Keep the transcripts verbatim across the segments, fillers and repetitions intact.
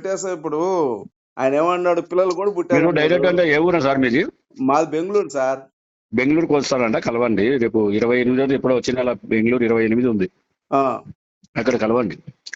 పెట్టేసా ఇప్పుడు ఆయన ఏమన్నాడు, పిల్లలు కూడా మీరు పుట్టారన్నాడు. డైరెక్ట్ అంటే ఏ ఊరా సార్ మీది? మాది బెంగళూరు సార్. బెంగళూరుకి వస్తారంట, కలవండి. రేపు ఇరవై ఎనిమిది ఎప్పుడో వచ్చిన నెల బెంగళూరు ఇరవై ఎనిమిది ఉంది, ఆ అక్కడ కలవండి.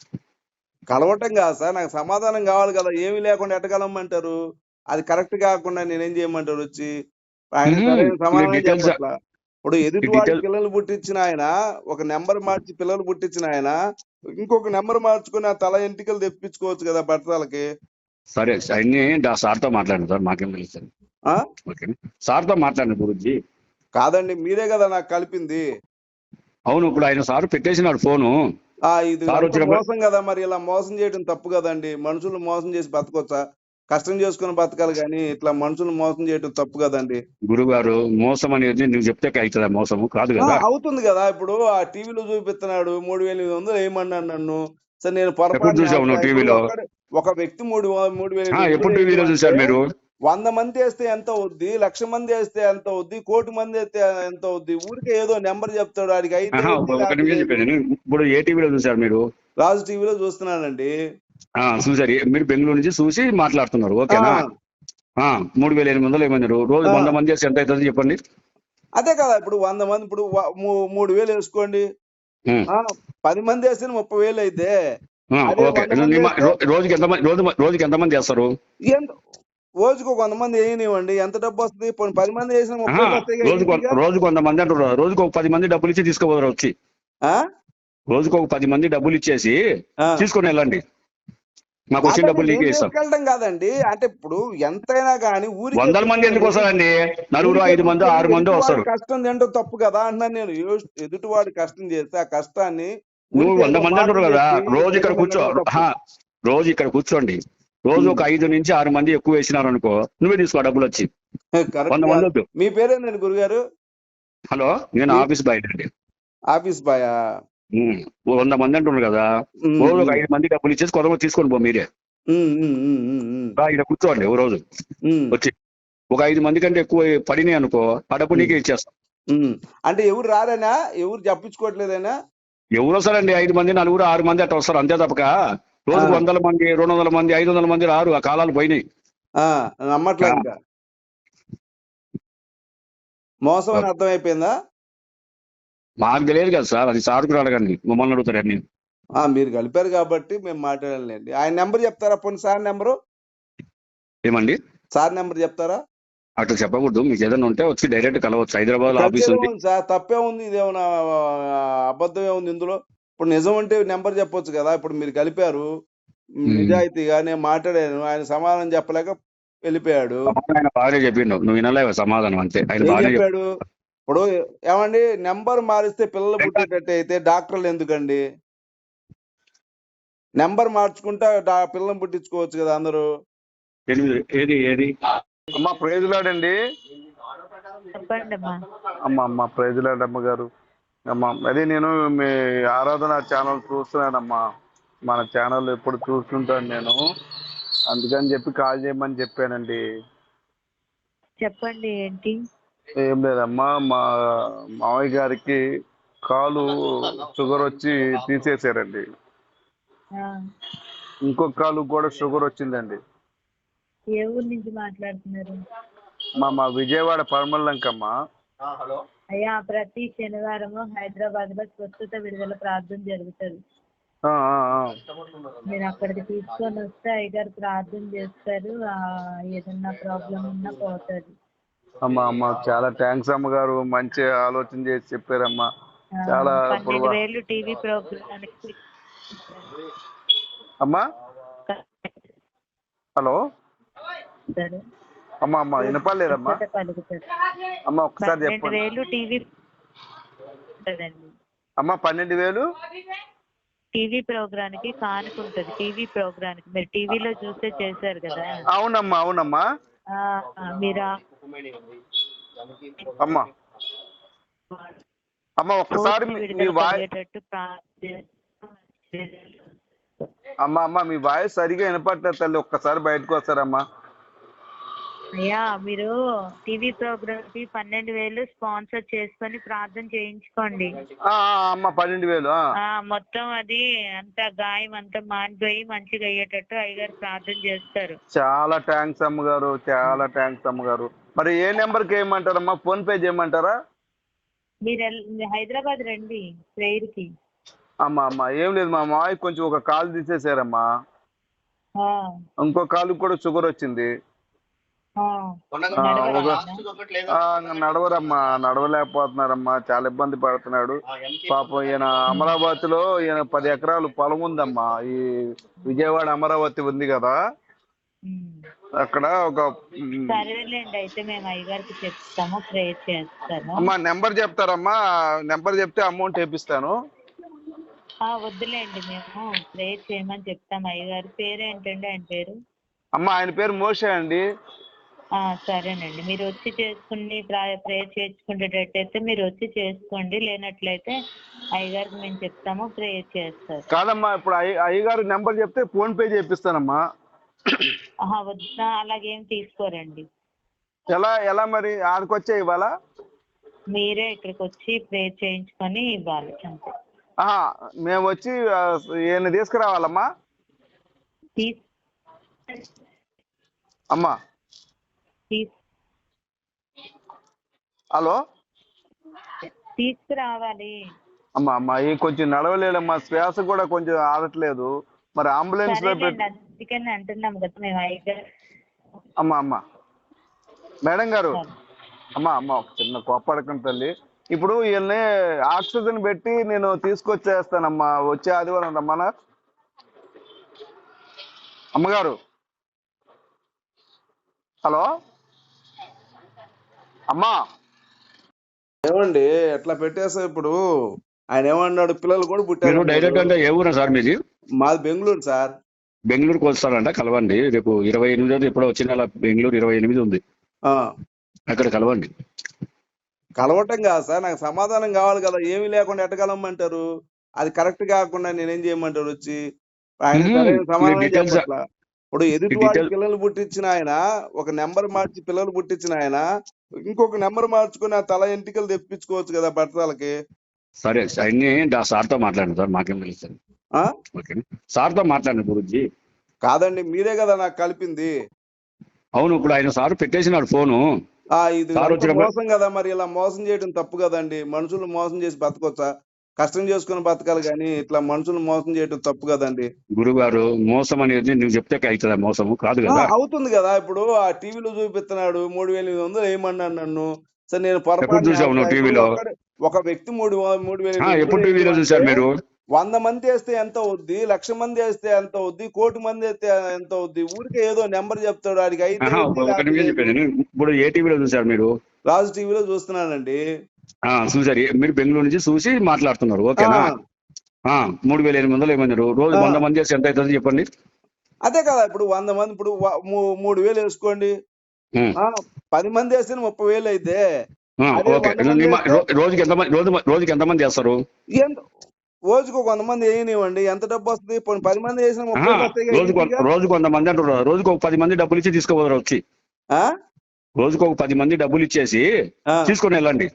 కలవటం కాదు సార్, నాకు సమాధానం కావాలి కదా. ఏమీ లేకుండా ఎట్ట కలవమంటారు? అది కరెక్ట్ కాకుండా నేనేం చేయమంటారు వచ్చి? ఆయన మ్మ్. సరైన మీరు సమాధానం డీటెయిల్స్ చెప్పట్లా. ఇప్పుడు ఎదుటి వాడి డీటెయిల్ పిల్లలు పుట్టించిన ఆయన, ఒక నెంబర్ మార్చి పిల్లలు పుట్టించిన ఆయన ఇంకొక నెంబర్ మార్చుకుని ఆ తల ఎంటికలు తెప్పించుకోవచ్చు కదా బట్టలకి. సరే అన్ని సార్తో మాట్లాడండి సార్, మాకేం తెలుస్తుంది. ఆ ఓకే, సార్తో మాట్లాడండి గురించి. కాదండి, మీరే కదా నాకు కలిపింది. అవును, ఇప్పుడు ఆయన సార్ పెట్టేసినాడు ఫోను. ఆ ఇది సార్ అంత వచ్చినప్పుడు మోసం కదా. మరి ఇలా మోసం చేయడం తప్పు కదండి. మనుషులు మోసం చేసి బతకొచ్చా? కష్టం చేసుకుని బతకాలి కానీ ఇట్లా మనుషులు మోసం చేయడం తప్పు కదండి. గురువు గారు, మోసం అనేది నువ్వు చెప్తే అవుతుందా? మోసము కాదు ఆ, కదా. అవుతుంది కదా. ఇప్పుడు ఆ టీవీలో చూపిస్తున్నాడు మూడు వేల ఎనిమిది వందలు వేయమన్నాడు నన్ను. సరే నేను ఎప్పుడు పొరపాటున చూసావు వేస్తా. నువ్వు ఇప్పుడు టీవీలో? ఒక్కడే ఒక వ్యక్తి మూడు వ- మూడు వేల ఎనిమిది వందలు ఎప్పుడు టీవీలో వేయమంటే చూసారు మీరు? వంద మంది వేస్తే ఎంత అవుద్ది, లక్ష మంది వేస్తే ఎంత అవుద్ది, కోటి మంది వేస్తే ఎంత అవుద్ది? ఊరికే ఏదో నెంబర్ చెప్తాడు, ఆడికి అయితే ఆహా, ఏంది ఒక ఒక లేకపోతే నిమిషం లేదు. చెప్పాను. ఇప్పుడు ఏ టీవీలో చూసారు మీరు? రాజు టీవీలో చూస్తున్నానండి. ఆ, చూసారు. ఏ- మీరు బెంగళూరు నుంచి చూసి మాట్లాడుతున్నారు, ఆ ఓకేనా? ఆ, మూడు వేల ఎనిమిది వందలు ఏమన్నారు? రోజు ఆ వంద మంది చేస్తే ఎంత అవుతుంది చెప్పండి. అదే కదా. ఇప్పుడు వంద మంది, ఇప్పుడు వ- మూ- మూడు వేలు వేసుకోండి. ఉమ్, ఆ పది మంది వేస్తే ముప్పై వేలు అయితే, ఆ, అదే ఓకే. వంద మంది నీ మా- వేస్తే రో- రోజుకి ఎంతమంది రోజు రోజుకి ఎంతమంది చేస్తారు? ఎంత రోజుకు ఒక వంద మంది వేయనివ్వండి, ఎంత డబ్బు వస్తుంది? పోనీ పది మంది వేసిన ముప్పై ఆహా, వేలు వస్తాయి కదా రోజుకు ఈజీగా. రోజుకు వంద మంది అంటారు. రోజుకు ఒక పది మంది డబ్బులు ఇచ్చి తీసుకోపోతారు వచ్చి. ఆ రోజుకు ఒక పది మంది డబ్బులు ఇచ్చేసి ఆ తీసుకొని వెళ్ళండి, మాకు వచ్చిన అదండి డబ్బులు నేను నీకే ఇస్తాం. తీసుకెళ్ళడం కాదండి. అంటే ఇప్పుడు ఎంతైనా కానీ ఊరికే వందల మంది ఎందుకు కూర్చొని వస్తారండి? నలుగురు, ఊరికే ఐదు మంది, కూర్చొని ఆరు మంది ఎదుటి వాడి వస్తారు. కష్టం తింటూ తప్పు కదా అంటున్నాను నేను. ఎదు- ఎదుటివాడి కష్టం చేస్తే ఆ కష్టాన్ని నువ్వు ఊరికే వంద ఏదో మంది అంటారు మాటలు కదా, చెప్పి రోజు ఇక్కడ కూర్చో. ప్రజలు తప్పు. ఆహా, రోజు ఇక్కడ కూర్చోండి. రోజు ఉమ్. ఒక ఐదు నుంచి ఆరు మంది ఎక్కువ వేసినారు అనుకో, నువ్వే తీసుకో డబ్బులు వచ్చి. కరెక్ట్ వంద మంది కాదు. వద్దు. మీ పేరేందండి గురుగారు? హలో, నేను మీ ఆఫీస్ బయట అండి. ఆఫీస్ బాయా? ఉమ్, ఓ వంద మంది అంటున్నారు కదా, ఉమ్, రోజు ఒక ఉమ్, ఐదు మంది డబ్బులు ఇచ్చేసి కొంతమంది తీసుకొని పో మీరే. ఉమ్, ఉమ్, ఉమ్, ఉమ్, ఉమ్, రా, ఇక్కడ కూర్చోండి ఓ రోజు ఉమ్, వచ్చి. ఒక ఐదు మంది కంటే ఎక్కువ పడినాయి అనుకో, ఆ డబ్బు ఉమ్, నీకే ఇచ్చేస్తాం. ఉమ్. అంటే ఎవరు రారేనా? ఎవరు చెప్పించుకోవట్లేదేనా? ఎవరు వస్తారండి? ఐదు మంది, నలుగురు, ఆరు మంది అట్లా వస్తారు అంతే తప్పక ఆ, రోజుకు వందల మంది, రెండు వందల మంది, ఐదు వందల మంది రారు. ఆ కాలాలు పోయినాయి. ఆ, నమ్మట్లా ఆ, ఇంకా. మోసం అని అర్థమైపోయిందా? మాకు తెలియదు కదా సార్, అది సార్కు అడగండి, మమ్మల్ని అడుగుతారని. ఆ మీరు కలిపారు కాబట్టి మేము మాట్లాడాలండి. ఆయన నెంబర్ చెప్తారా? పోనీ సార్ నెంబరు, ఏమండి? సార్ నెంబర్ చెప్తారా? అట్లా చెప్పకూడదు. మీకు ఏదైనా ఉంటే వచ్చి డైరెక్ట్ కలవచ్చు. హైదరాబాద్ ఆఫీస్ కలిసేదే ఉంది. ఉంది సార్, తప్పే ఉంది. ఇదేమన్నా అబద్ధమే ఉంది ఇందులో? ఇప్పుడు నిజం అంటే నెంబర్ చెప్పొచ్చు కదా. ఇప్పుడు మీరు కలిపారు ఉమ్. నిజాయితీగా, నేను మాట్లాడాను, ఆయన సమాధానం చెప్పలేక వెళ్ళిపోయాడు. సమాధానం ఆయన బాగానే చెప్పిండు, నువ్వు వినలేవు సమాధానం అంతే. ఆయన ఏం బాగానే చెప్పి చెప్పాడు? ఇప్పుడు ఏమండి, నెంబర్ మారిస్తే పిల్లలు పుట్టేటట్టు అయితే డాక్టర్లు ఎందుకండి? నెంబర్ మార్చుకుంటా డా పిల్లల్ని పుట్టించుకోవచ్చు కదా అందరూ. ఎనిమిది ఏది ఏది అమ్మ ప్రైజులాడండి. చెప్పండి అమ్మా. అమ్మ అమ్మ ప్రైజులాడ్ అమ్మ గారు. అమ్మ అదే నేను మీ ఆరాధన ఛానల్ చూస్తున్నానమ్మా. మన ఛానల్ ఎప్పుడు చూస్తుంటాను నేను, అందుకని చెప్పి కాల్ చేయమని చెప్పానండి. చెప్పండి ఏంటి? ఏం లేదమ్మా, మా మామయ్య గారికి కాలు షుగర్ వచ్చి తీసేశారండి. ఆ, ఇంకొక కాలు కూడా షుగర్ వచ్చిందండి. ఏ ఊరు నుంచి మాట్లాడుతున్నారు? మా మా విజయవాడ పరమల్లంకమ్మ. అయ్యా, ప్రతి శనివారము హైదరాబాద్ లో స్వస్థత విడుదల ప్రార్థన జరుగుతుంది. ఆ, ఆ, ఆ. మీరు అక్కడికి తీసుకొని వస్తే అయ్యగారు ప్రార్థన చేస్తారు. ఆ, ఏదన్నా ప్రాబ్లం ఉన్నా పోతుంది. అమ్మ అమ్మ చాలా థ్యాంక్స్ అమ్మగారు, మంచి ఆలోచన చేసి చెప్పారమ్మా. ఆ, చాలా ఇప్పుడు పన్నెండు వేలు టీవీ ప్రోగ్రామ్కి అమ్మా. హలో సరే. అమ్మ అమ్మ వినపడలేదమ్మా. స్వస్థత కలుగుతుంది. అమ్మ ఒక్కసారి పన్నెండు చెప్పండి. వేలు టీవీ ఉంటుందండి. అమ్మ పన్నెండు వేలు టీవీ ప్రోగ్రామ్కి కానుకుంటుంది. టీవీ ప్రోగ్రామ్కి మీరు టీవీలో చూస్తే చేశారు కదా. అవునమ్మా అవునమ్మా. ఆ, మీరు ఆ అమ్మ అమ్మ ఒక్కసారి పూర్తి మీ- మీ విడుదల వాయి కలిగేటట్టు ప్రార్థన. అమ్మ అమ్మ మీ వాయిస్ సరిగా వినపడలేదు తల్లి, ఒక్కసారి బయటకు వస్తారమ్మా. అయ్యా మీరు టీవీ ప్రోగ్రామ్ కి పన్నెండు వేలు స్పాన్సర్ చేసుకొని ప్రార్థన చేయించుకోండి. ఆ, ఆ, అమ్మ పన్నెండు వేలు ఆ. ఆ మొత్తం అది అంతా గాయం అంతా మానిపోయి మంచిగా అయ్యేటట్టు అయ్యగారు ప్రార్థన చేస్తారు. చాలా థ్యాంక్స్ అమ్మగారు, చాలా థ్యాంక్స్ అమ్మగారు. మరి ఏ నెంబర్కి వేయమంటారమ్మా? ఫోన్ పే చేయమంటారా? మీరు ఎల్- హైదరాబాద్ రండి ప్రేయర్ కి. అమ్మా అమ్మ ఏం లేదు, మా మావయ్య కొంచెం ఒక కాలు తీసేసారమ్మా. ఆ, ఇంకో కాలు కూడా షుగర్ వచ్చింది. ఆ. ఆ, నడవరా? ఒక ఆ, నడవరమ్మా, నడవలేకపోతున్నారమ్మా, చాలా ఇబ్బంది పడుతున్నాడు పాపం. ఈయన అమరావతిలో ఈయన పది ఎకరాలు పొలం ఉందమ్మా. ఈ విజయవాడ అమరావతి ఉంది కదా, ఉమ్. అక్కడ ఒక ఉమ్, సరేలేండి, అయితే మేము అయ్యగారికి చెప్తాము, ప్రేయర్ చేస్తాము. అమ్మా నెంబర్ చెప్తారమ్మా? నెంబర్ చెప్తే అమౌంట్ వేపిస్తాను. ఆ వద్దులేండి, మేము ప్రేయర్ చేయమని చెప్తాం. అయ్యగారి పేరు ఏంటండి? ఆయన పేరు? అమ్మ ఆయన పేరు మోషే అండి. ఆ సరేనండి, మీరు వచ్చి చేసుకుని ప్రేయర్ చేయించుకునేటట్టయితే మీరు వచ్చి చేసుకోండి, లేనట్లయితే అయ్యగారికి మేము చెప్తాము, ప్రేయర్ చేస్తారు. కాదమ్మా, ఇప్పుడు అయ్య అయ్యగారు నెంబర్ చెప్తే ఫోన్ పే చేపిస్తానమ్మా. ఆహా వద్దా, అలాగేం తీసుకోరండి. ఎలా ఎలా మరి ఆడికొచ్చే ఇవ్వాలా? మీరే ఇక్కడికి వచ్చి ప్రేయర్ చేయించుకొని ఇవ్వాలి అంతే. ఆహా, మేము వచ్చి ఆ, ఈయన తీసుకురావాలమ్మా? తీస్ అమ్మా తీస్ హలో తీసుకురావాలి. అమ్మా అమ్మా ఈ కొంచెం నడవలేడమ్మా, శ్వాస కూడా కొంచెం ఆడట్లేదు. మరి అంబులెన్స్ లో సరేలేండి, పెట్టి. అందుకని అంటున్నాం కదా మేము అయ్యగారు. అమ్మా అమ్మా మేడం గారు, సరే. అమ్మా అమ్మ ఒక చిన్న కోప్పడకండి తల్లి. ఇప్పుడు వీళ్ళని ఆక్సిజన్ పెట్టి నేను తీసుకొచ్చేస్తానమ్మా, వచ్చే ఆదివారం రమ్మనా? అమ్మగారు హలో అమ్మా. ఏమండి ఎట్లా పెట్టేసా? ఇప్పుడు ఆయన ఏమన్నాడు, పిల్లలు కూడా మీరు పుట్టారు. డైరెక్ట్ అంటే ఏ ఊరా సార్ మీది? మాది బెంగళూరు సార్. బెంగళూరుకి వస్తారంట, కలవండి. రేపు ఇరవై ఎనిమిది ఎప్పుడో వచ్చిన నెల బెంగళూరు ఇరవై ఎనిమిది ఉంది, ఆ, అక్కడ కలవండి. కలవటం కాదు సార్, నాకు సమాధానం కావాలి కదా. ఏమీ లేకుండా ఎట్ట కలవమంటారు? అది కరెక్ట్ కాకుండా నేనేం చేయమంటారు వచ్చి? ఆయన మ్మ్. సరైన మీ సమాధానం డీటెయిల్స్ చెప్పట్లా. ఇప్పుడు ఎదుటివాడి డీటెయిల్ పిల్లలు పుట్టించిన ఆయన, ఒక నెంబర్ మార్చి పిల్లలు పుట్టించిన ఆయన ఇంకొక నెంబర్ మార్చుకుని ఆ తల ఎంటికలు తెప్పించుకోవచ్చు కదా బట్టలకి. సరే అన్ని సార్తో మాట్లాడండి సార్, మాకేం తెలుస్తుంది. ఆ ఓకే, సార్తో మాట్లాడండి గురుజీ. కాదండి, మీరే కదా నాకు కలిపింది. అవును, ఇప్పుడు ఆయన సార్ పెట్టేసినాడు ఫోను. ఆ ఇది సార్ అంత వచ్చినప్పుడు మోసం కదా. మరి ఇలా మోసం చేయడం తప్పు కదండి. మనుషులు మోసం చేసి బతకొచ్చా? కష్టం చేసుకుని బతకాలి, కానీ ఇట్లా మనుషులు మోసం చేయడం తప్పు కదండి. గురువు గారు, మోసం అనేది నువ్వు చెప్తే అవుతుందా? మోసము కాదు ఆ, కదా. అవుతుంది కదా. ఇప్పుడు ఆ టీవీలో చూపిస్తున్నాడు మూడు వేల ఎనిమిది వందలు వేయమన్నాడు నన్ను. సరే నేను ఎప్పుడు పొరపాటు చూసావు నువ్వు టీవీలో? ఒక వ్యక్తి మూడు మూడు వేల ఆ, ఎనిమిది ఎప్పుడు వందలు టీవీలో వేయడం చూసారు అంటే మీరు? వంద మంది వేస్తే ఎంత అవుద్ది, లక్ష మంది వేస్తే ఎంత అవుద్ది, కోటి మంది వేస్తే ఎంత అవుద్ది? ఊరికే ఏదో నెంబర్ చెప్తాడు, ఆడికి అయితే ఆహా, అయింది, ఒక లేకపోతే నిమిషం లేదు. చెప్పాను. ఇప్పుడు ఏ టీవీలో చూసారు మీరు? రాజు టీవీలో చూస్తున్నానండి. ఆ చూసారు, మీరు బెంగళూరు నుంచి చూసి మాట్లాడుతున్నారు, ఆ ఓకేనా? ఆ మూడు వేల ఎనిమిది వందలు ఏమన్నారు? రోజు ఆ, వంద మంది చేస్తే ఎంత అవుతుంది చెప్పండి? అదే కదా. ఇప్పుడు వంద మంది, ఇప్పుడు వ- మూ- మూడు వేలు వేసుకోండి. ఉం. ఆ పది మంది వేస్తే ముప్పై వేలు అయితే, ఆ, అదే ఓకే. వంద మంది నీ మా- వేస్తే రో- రోజుకి ఎంత మంది రోజు రోజుకి ఎంత మంది చేస్తారు? ఎంత రోజుకు కొంత మంది వేయనివ్వండి, ఎంత డబ్బు వస్తుంది? పోనీ పది మంది వేసిన ముప్పై ఆహా, వేలు వస్తాయి రోజుకు ఈజీగా. రోజుకు వంద మంది అంటారు, రోజుకు ఒక పది మంది డబ్బులు ఇచ్చి తీసుకోపోతారు వచ్చి. ఆ? రోజుకు ఒక పది మంది డబ్బులు ఇచ్చేసి ఆ. తీసుకొని వెళ్ళండి,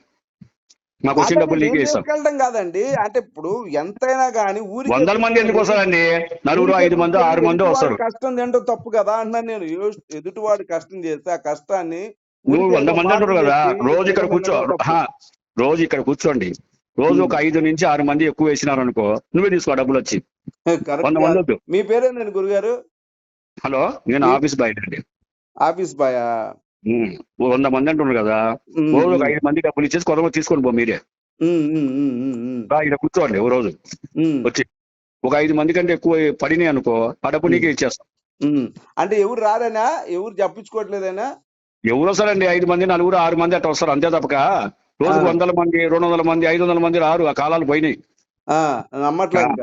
మాకు వచ్చిన కాదండి, డబ్బులు నేను నీకే ఇస్తాం. తీసుకెళ్ళడం కాదండి. అంటే ఇప్పుడు ఎంతైనా కానీ ఊరికే వందల మంది ఎందుకు తీసుకెళ్ళి వస్తారండి? నలుగురు ఊరికే ఐదు మంది తీసుకెళ్ళి ఆరు మంది ఎదుటి వాడి వస్తారు. కష్టం తింటూ తప్పు కదా అంటున్నాను నేను. ఎదు- ఎదుటివాడు కష్టం చేస్తే ఆ కష్టాన్ని నువ్వు ఊరికే వంద ఏదో మంది మాట అంటారు కదా, చెప్పి రోజు ఇక్కడ జగన్ కూర్చో. అనడం తప్పు. ఆహా, రోజు ఇక్కడ కూర్చోండి. రోజు ఒక ఐదు నుంచి ఆరు మంది ఎక్కువ వేసినారు అనుకో, నువ్వే తీసుకో డబ్బులు వచ్చి. కరెక్ట్ వంద మంది కాదు. వద్దు. మీ పేరేనండి గురుగారు? హలో, నేను మీ ఆఫీస్ బయట అండి. ఆఫీస్ బాయా? ఉమ్, ఓ వంద మంది అంటున్నారు కదా, ఉమ్, రోజు ఒక ఉమ్, ఐదు మంది డబ్బులు ఇచ్చేసి కొంతమంది తీసుకొని పో మీరే. ఉమ్, ఉమ్, ఉమ్, ఉమ్, ఉమ్, రా, ఇక్కడ కూర్చోండి ఓ రోజు ఉమ్, వచ్చి. ఒక ఐదు మంది కంటే ఎక్కువ పడినాయి అనుకో, ఆ డబ్బు ఉమ్, నీకే ఇచ్చేస్తాం. ఉమ్. అంటే ఎవరు రారేనా? ఎవరు చెప్పించుకోవట్లేదేనా? ఎవరు వస్తారండి? ఐదు మంది నలుగురు ఆరు మంది అట్లా వస్తారు, అంతే తప్పక ఆ, రోజుకు వందల మంది రెండు వందల మంది ఐదు వందల మంది రారు. ఆ కాలాలు పోయినాయి. ఆ, నమ్మట్లా ఆ, ఇంకా.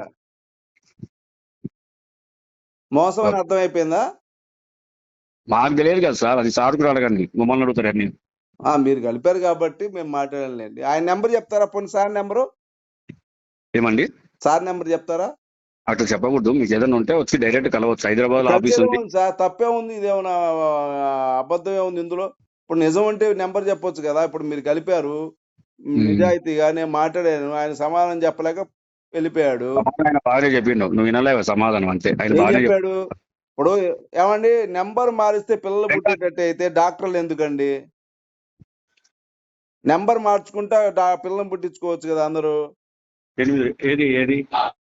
మోసం అని అర్థమైపోయిందా? మాకు తెలియదు కదా సార్, అది సార్కు అడగండి, మమ్మల్ని అడుగుతారని. ఆ, మీరు కలిపారు కాబట్టి మేము మాట్లాడలేండి. ఆయన నెంబర్ చెప్తారా? పోనీ సార్ నెంబరు, ఏమండి? సార్ నెంబర్ చెప్తారా? అట్లా చెప్పకూడదు. మీకు ఏదైనా ఉంటే వచ్చి డైరెక్ట్ కలవచ్చు. హైదరాబాద్ లో ఆఫీస్ ఉంది. ఉంది సార్, తప్పే ఉంది, ఇదేమన్నా అబద్ధమే ఉంది ఇందులో. ఇప్పుడు నిజం అంటే నెంబర్ చెప్పొచ్చు కదా. ఇప్పుడు మీరు కలిపారు నిజాయితీగా, నేను మాట్లాడాను, ఆయన సమాధానం చెప్పలేక వెళ్ళిపోయాడు. ఆయన బాగానే చెప్పిండు, నువ్వు వినలేవు సమాధానం అంతే. ఆయన ఏం బాగానే చెప్పాడు? ఇప్పుడు ఏమండి, నెంబర్ మారిస్తే పిల్లలు పుట్టేటట్టు అయితే డాక్టర్లు ఎందుకండి? నెంబర్ మార్చుకుంటా పిల్లల్ని పుట్టించుకోవచ్చు కదా అందరూ. ఎనిమిది ఏది ఏది